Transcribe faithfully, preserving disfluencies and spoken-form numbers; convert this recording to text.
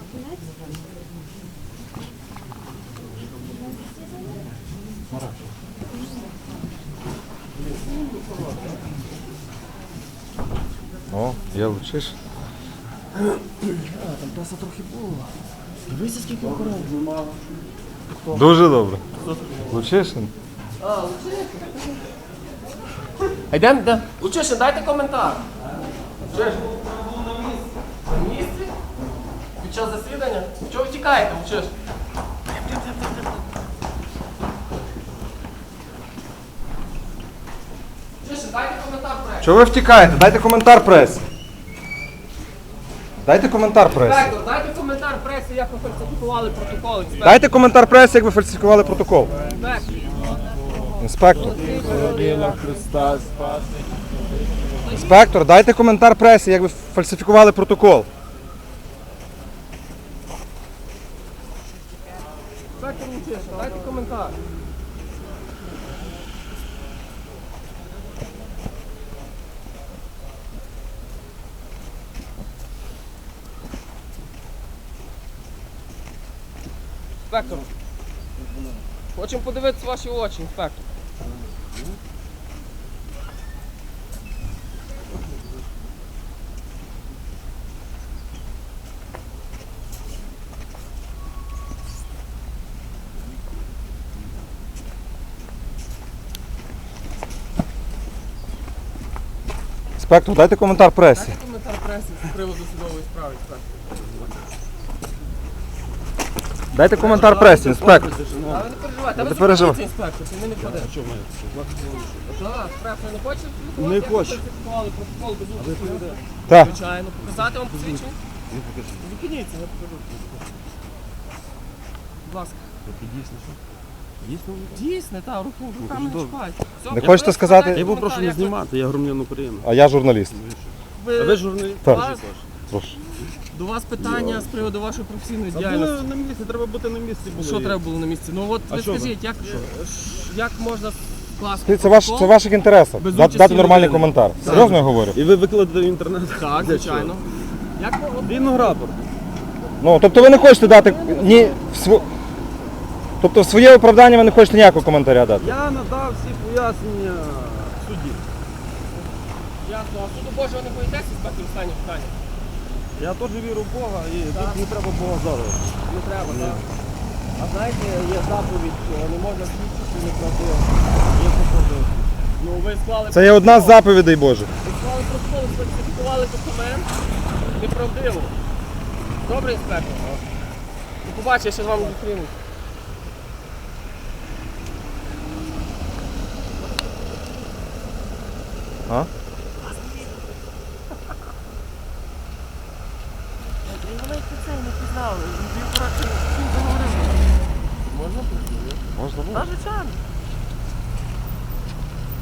О, є Лучишин. А, там песа трохи було. Дивися, скільки охорони. Дуже добре. Лучишин. А, Лучишин. А йдемо, йдемо. Лучишин, дайте коментар. Лучишин. На місці? Під час засідання? Чого ви тікаєте, Лучишин? Лучишин, дайте коментар пресі. Чого ви втікаєте? Дайте коментар пресі. Дайте коментар пресі. Інспектор, дайте коментар пресі, як ви фальсифікували протокол. Інспектор. Дайте коментар пресі, як ви фальсифікували протокол. Інспектор. Інспектор. Інспектор, дайте коментар пресі, як ви фальсифікували протокол. Інспектор Лучишин, дайте коментар. Інспектор, хочемо подивитися ваші очі, інспектор. Інспектор, дайте коментар пресі. Дайте коментар преси з приводу судової справи, інспектор. Дайте коментар пресі, інспектор. А ви не переживайте, а ви Не переживай. зупиніться, інспектор, і ми не впадемо. Що ми? Так, преса не хоче фальсифікувати? Не Як ви хочу. фальсифікували протокол без участі? Так. Звичайно. Показати вам посвідчення? Зупиніться, я покажу. Будь ласка. Дійсне, так, руку, руками не чіпайте. Все, Не я хочете просто сказати? дайте Я був прошу коментар, не як ви- знімати, я громадянин України. А я журналіст. ви- А ви журналіст? Так. Вас- Прошу. До вас питання з приводу вашої професійної А були діяльності. на місці, треба бути на місці. Було. Що треба було на місці? Ну от А ви що ви? скажіть, як, як можна скласти Це, ваш, протокол? це в ваших інтересах. Без Дати, участі дати нормальний людини. коментар. Серйозно я говорю? І ви викладете в інтернет? Так, Для звичайно. Як ви- от- Вільного рапорту. Ну, тобто ви не хочете дати ні в сво... Тобто в своє оправдання ви не хочете ніякого коментаря дати. Я надав всі пояснення судді. Ясно. А суду Божого не боїтеся, інспектор, останнє питання? Я теж вірю в Бога і тут не треба Бога зараз. Не треба, так. А знаєте, є заповідь, що не можна свідчити неправдиво. Я походив. Ну ви склали Це є одна з заповідей Божих. ви склали протокол, сфальсифікували документ неправдиво. Добре, інспектор? Ну побачиш, я ще з вами зустрінусь. А? Вони це не пізнали. Він коротше, він заговорив. Можна? Можна було. Та, звичайно.